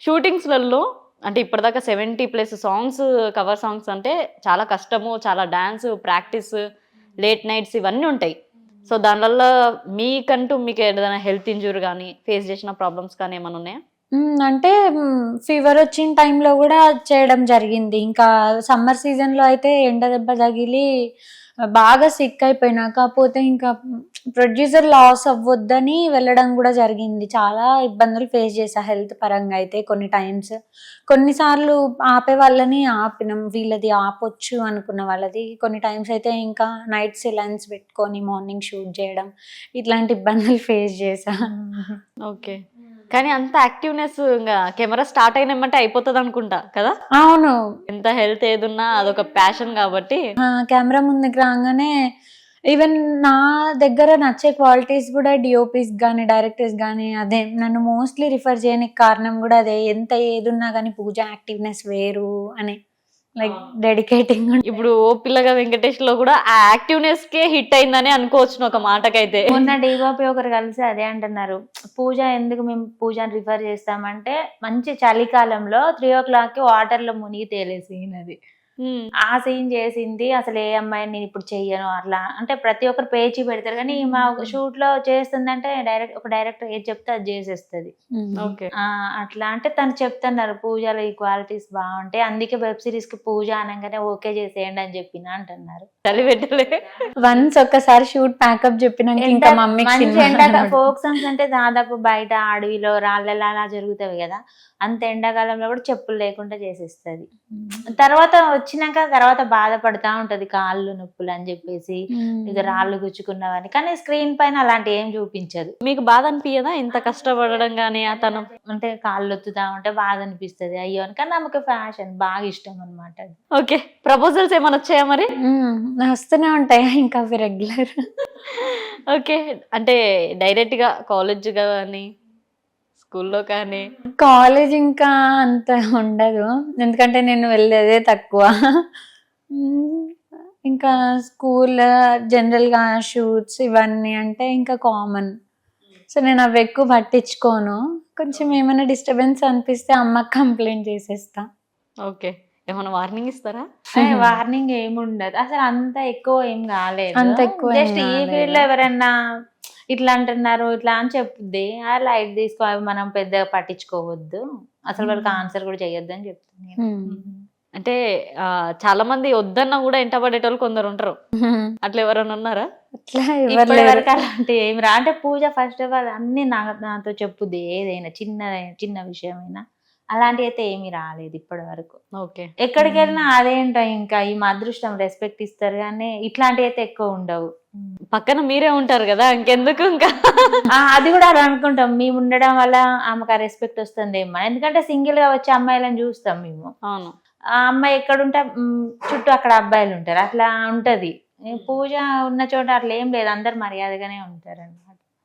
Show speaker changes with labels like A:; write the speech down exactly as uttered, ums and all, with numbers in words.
A: షూటింగ్స్‌లలో అంటే ఇప్పటిదాకా seventy plus songs cover songs అంటే చాలా కష్టము. చాలా డాన్స్, ప్రాక్టీస్, లేట్ నైట్స్ ఇవన్నీ ఉంటాయి. సో దానివల్ల మీకంటూ మీకు ఏదైనా హెల్త్ ఇంజ్యూరీ గానీ, ఫేస్ చేసిన ప్రాబ్లమ్స్ కానీ ఏమైనా ఉన్నాయా?
B: హ్మ్. అంటే హ్మ్. ఫీవర్ వచ్చిన టైంలో గూడా చేయడం జరిగింది. ఇంకా సమ్మర్ సీజన్‌లో అయితే ఎండ దెబ్బ తగిలి బాగా సిక్ అయిపోయినా. కాపోతే ఇంకా ప్రొడ్యూసర్ లాస్ అవ్వొద్దని వెళ్ళడం గూడా జరిగింది. చాలా ఇబ్బందులు ఫేస్ చేశా హెల్త్ పరంగా అయితే కొన్ని టైమ్స్. కొన్నిసార్లు ఆపే వాళ్ళని ఆపినాం. వీళ్ళది ఆపొచ్చు అనుకున్న వాళ్ళది. కొన్ని టైమ్స్ అయితే ఇంకా నైట్ సిలైన్స్ పెట్టుకొని మార్నింగ్ షూట్ చేయడం. ఇట్లాంటి ఇబ్బందులు ఫేస్ చేశా.
A: ఓకే. కానీ అంత యాక్టివ్‌నెస్ ఇంగా కెమెరా స్టార్ట్ అయినమంటే అయిపోతదనుకుంటా కదా!
B: అవును.
A: ఎంత హెల్త్ ఏదున్నా అదొక ప్యాషన్ కాబట్టి
B: ఆ! కెమెరా ముందుకు రాంగానే ఈవెన్ నా దగ్గర నచ్చే క్వాలిటీస్ గూడా డీఓపీస్ గానీ, డైరెక్టర్స్ గానీ అదే నన్ను మోస్ట్‌లీ రిఫర్ చేయనికి కారణం గూడా అదే. ఎంత ఏదున్నా గానీ పూజ యాక్టివ్‌నెస్ వేరు అని. లైక్ డెడికేటింగ్
A: ఇప్పుడు 'ఓ పిల్లగా వెంకటేష్‌లో' కూడా ఆ యాక్టివ్‌నెస్‌కే హిట్ అయిందని అనుకోవచ్చును ఒక మాటకైతే.
C: మొన్న డీఓపీ ఒకరు కలిసి అదే అంటున్నారు. పూజ ఎందుకు మేము పూజని రిఫర్ చేస్తామంటే మంచి చలికాలంలో త్రీ ఓ క్లాక్‌కి వాటర్‌లో మునిగి తేలే సీన్ అది.
A: హ్మ్.
C: ఆ సీన్ చేసింది. అసలు ఏ అమ్మాయిని నేను ఇప్పుడు చెయ్యను అట్లా అంటే ప్రతి ఒక్కరు పేచీ పెడతారు. కానీ ఈమె షూట్‌లో చేస్తుందంటే డైరెక్ట్ ఒక డైరెక్టర్ ఏది చెప్తే అది చేసేస్తది.
A: ఓకే.
C: ఆ! అట్లా అంటే తను చెప్తున్నారు పూజలో ఈ క్వాలిటీస్ బావుంటాయి. అందుకే వెబ్ సీరీస్‌కి పూజ అనంగానే ఓకే చేసేయండి అని చెప్పిన అంటున్నారు.
A: చలి పెట్టలే.
B: వన్స్ ఒక్కసారి షూట్ ప్యాకప్ చెప్పినాక ఇంకా
C: ఎండ
B: మమ్మీకి
C: మంచి
B: సినిమా
C: ఎండాక
B: కనబడదు.
C: ఫోక్ సాంగ్స్ అంటే దాదాపు బయట అడవిలో రాళ్ళలో అలా జరుగుతాయి కదా! అంత ఎండాకాలంలో కూడా చెప్పులు లేకుండా చేసేస్తది. తర్వాత వచ్చినాక తర్వాత బాధపడతా ఉంటది కాళ్ళు నొప్పులు అని చెప్పేసి ఇక రాళ్ళు గుచ్చుకున్నవని. కానీ స్క్రీన్ పైన అలాంటివి ఏం చూపించదు.
A: మీకు బాధ అనిపియదా ఇంత కష్టపడడం గాని తను?
C: అంటే కాళ్ళు ఒత్తుతా ఉంటే బాధ అనిపిస్తది అయ్యో అని. కానీ ఆమెకి ఫ్యాషన్ బాగా ఇష్టం అన్నమాట అది.
A: ఓకే. ప్రపోజల్స్ ఏమైనా వచ్చాయా మరి?
B: హ్మ్. వస్తూనే ఉంటాయి ఇంకా అవి రెగ్యులర్.
A: ఓకే. అంటే డైరెక్ట్‌గా కాలేజ్ గాని, స్కూల్‌లో కానీ
B: కాలేజ్ ఇంకా అంత ఉండదు. ఎందుకంటే నేను వెళ్ళేదే తక్కువ. హ్మ్. ఇంకా స్కూల్ జనరల్‌గా షూట్స్ ఇవన్నీ అంటే ఇంకా కామన్. సో నేను అవి ఎక్కువ పట్టించుకోను. కొంచెం ఏమైనా డిస్టర్బెన్స్ అనిపిస్తే అమ్మకి కంప్లెయింట్ చేసేస్తా.
A: ఓకే. ఏమైనా వార్నింగ్ ఇస్తారా?
C: ఏ వార్నింగ్ ఏముండదు. అసలు అంత ఎక్కువ ఏం కాలేదు.
B: అంత ఎక్కువ ఏం
C: జస్ట్ ఈ
B: కాలేదు.
C: ఫీల్డ్‌లో ఎవరన్నా ఇట్లా అంటున్నారు ఇట్లా అని చెప్పుద్ది. ఆ లైట్ తీసుకో అవి మనం పెద్దగా పట్టించుకోవద్దు. అసలు వాళ్ళకి ఆన్సర్ కూడా చేయొద్దు అని చెప్తుంది.
B: హ్మ్.
A: అంటే ఆహ్, చాలా మంది వద్దన్నా కూడా ఎంటపడేటోళ్ళు కొందరు ఉంటారు.
B: హ్మ్.
A: అట్లా ఎవరైనా ఉన్నారా?
B: అట్లా ఎవరు
C: ఇప్పటి
B: లేరు.
C: వరకు అలాంటి ఏమి రా అంటే పూజ ఫస్ట్ ఆఫ్ ఆల్ అన్ని నా నాతో చెప్పుద్ది ఏదైనా చిన్న చిన్న విషయమైనా. అలాంటివి అయితే ఏమీ రాలేదు ఇప్పటి వరకు.
A: ఓకే.
C: ఎక్కడికి వెళ్ళినా అదేంటో ఇంకా ఈ మా అదృష్టం రెస్పెక్ట్ ఇస్తారు కానీ ఇట్లాంటివి అయితే ఎక్కువ ఉండవు.
A: పక్కన మీరే ఉంటారు కదా! ఇంకెందుకు ఇంకా.
C: ఆ! అది కూడా అలా అనుకుంటాం. మేము ఉండడం వల్ల ఆమెకు ఆ రెస్పెక్ట్ వస్తుందేమో. ఎందుకంటే సింగిల్ గా వచ్చే అమ్మాయిలను చూస్తాం మేము.
A: అవును.
C: ఆ అమ్మాయి ఎక్కడుంటే హ్మ్, చుట్టూ అక్కడ అబ్బాయిలు ఉంటారు. అట్లా ఉంటది. పూజ ఉన్న చోట అట్లా ఏం లేదు. అందరు మర్యాదగానే ఉంటారండి.